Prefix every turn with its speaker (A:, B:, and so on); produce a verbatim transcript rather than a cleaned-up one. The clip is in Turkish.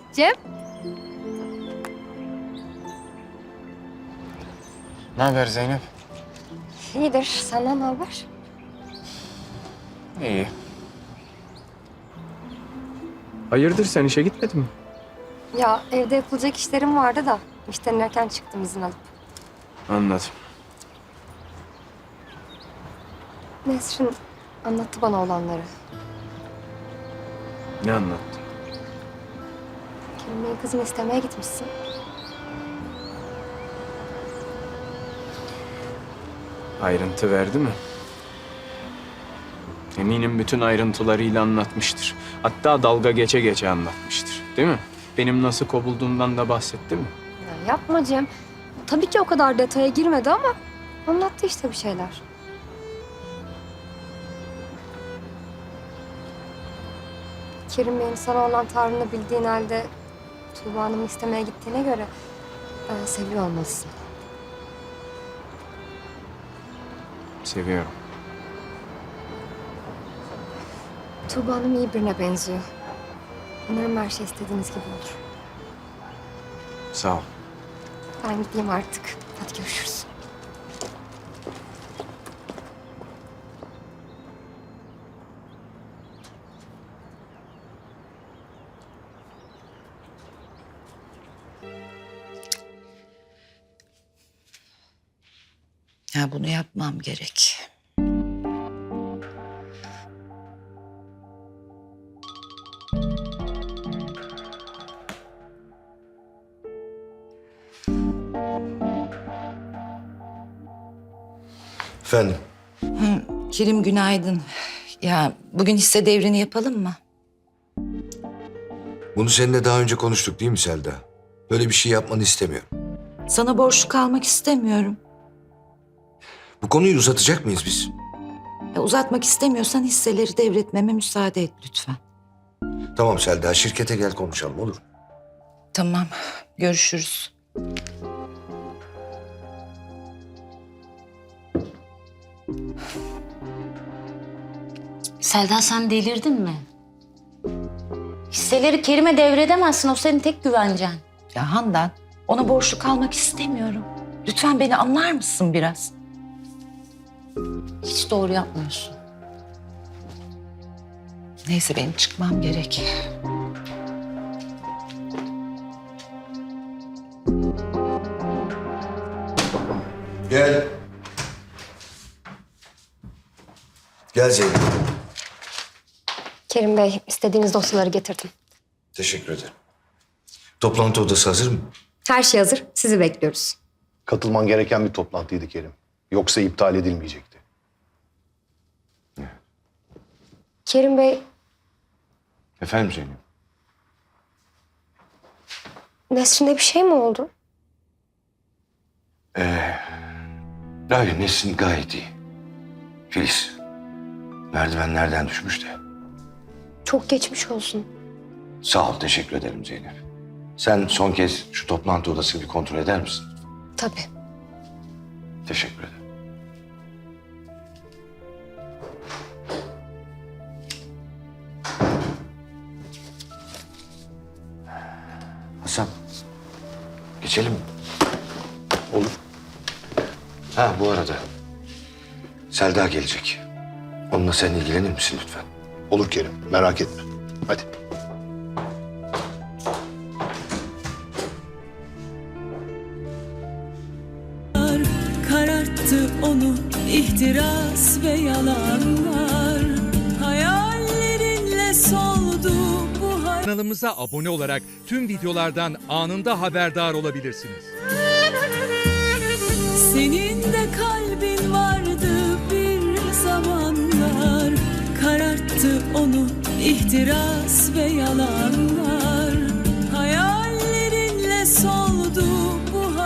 A: Cem.
B: Ne haber Zeynep?
A: İyidir. Senden ne haber?
B: İyi. Hayırdır, sen işe gitmedin mi?
A: Ya evde yapılacak işlerim vardı da işten erken çıktım izin alıp.
B: Anladım.
A: Nesrin anlattı bana olanları.
B: Ne anlattı?
A: Kerim Bey'in kızını istemeye gitmişsin.
B: Ayrıntı verdi mi? Eminim bütün ayrıntılarıyla anlatmıştır. Hatta dalga geçe geçe anlatmıştır. Değil mi? Benim nasıl kovulduğumdan da bahsetti mi?
A: Ya yapma Cem. Tabii ki o kadar detaya girmedi ama anlattı işte bir şeyler. Kerim Bey'in sana olan tavrını bildiğin halde Tuğba Hanım'ı istemeye gittiğine göre e, seviyor olmalısın.
B: Seviyorum.
A: Tuğba Hanım iyi birine benziyor. Umarım her şey istediğiniz gibi olur.
B: Sağ ol.
A: Ben gideyim artık. Hadi görüşürüz.
C: Ya bunu yapmam gerek.
D: Efendim?
C: Hı, Kerim günaydın. Ya bugün hisse devrini yapalım mı?
D: Bunu seninle daha önce konuştuk değil mi Selda? Böyle bir şey yapmanı istemiyorum.
C: Sana borçlu kalmak istemiyorum.
D: Bu konuyu uzatacak mıyız biz?
C: Ya uzatmak istemiyorsan hisseleri devretmeme müsaade et lütfen.
D: Tamam Selda, şirkete gel konuşalım, olur mu?
C: Tamam, görüşürüz.
E: Selda, sen delirdin mi? Hisseleri Kerim'e devredemezsin. O senin tek güvencen.
C: Ya Handan, ona borçlu kalmak istemiyorum. Lütfen beni anlar mısın biraz?
E: Hiç doğru yapmıyorsun.
C: Neyse benim çıkmam gerek.
D: Gel. Gel Zeynep.
A: Kerim Bey, istediğiniz dosyaları getirdim.
D: Teşekkür ederim. Toplantı odası hazır mı?
A: Her şey hazır. Sizi bekliyoruz.
F: Katılman gereken bir toplantıydı Kerim. Yoksa iptal edilmeyecekti.
A: Kerim Bey,
D: Efendim Zeynep?
A: Nesrin'e bir şey mi oldu?
D: Hayır, Nesin gayet iyi. Filiz, merdivenlerden düşmüş de.
A: Çok geçmiş olsun.
D: Sağ ol, teşekkür ederim Zeynep. Sen son kez şu toplantı odasını bir kontrol eder misin?
A: Tabii.
D: Teşekkür ederim. Hasan, geçelim mi?
F: Olur.
D: Ha, bu arada Selda gelecek. Onunla sen ilgilenir misin lütfen?
F: Olur Kerim, merak etme. Hadi.
G: Kararttı onu ihtiras ve yalanlar. Hayallerinle soldu bu hayat.
H: Kanalımıza abone olarak tüm videolardan anında haberdar olabilirsiniz.
G: Senin de kalbin vardı bir zamanlar. Kararttı onu ihtiras ve yalanlar. Hayallerinle soldu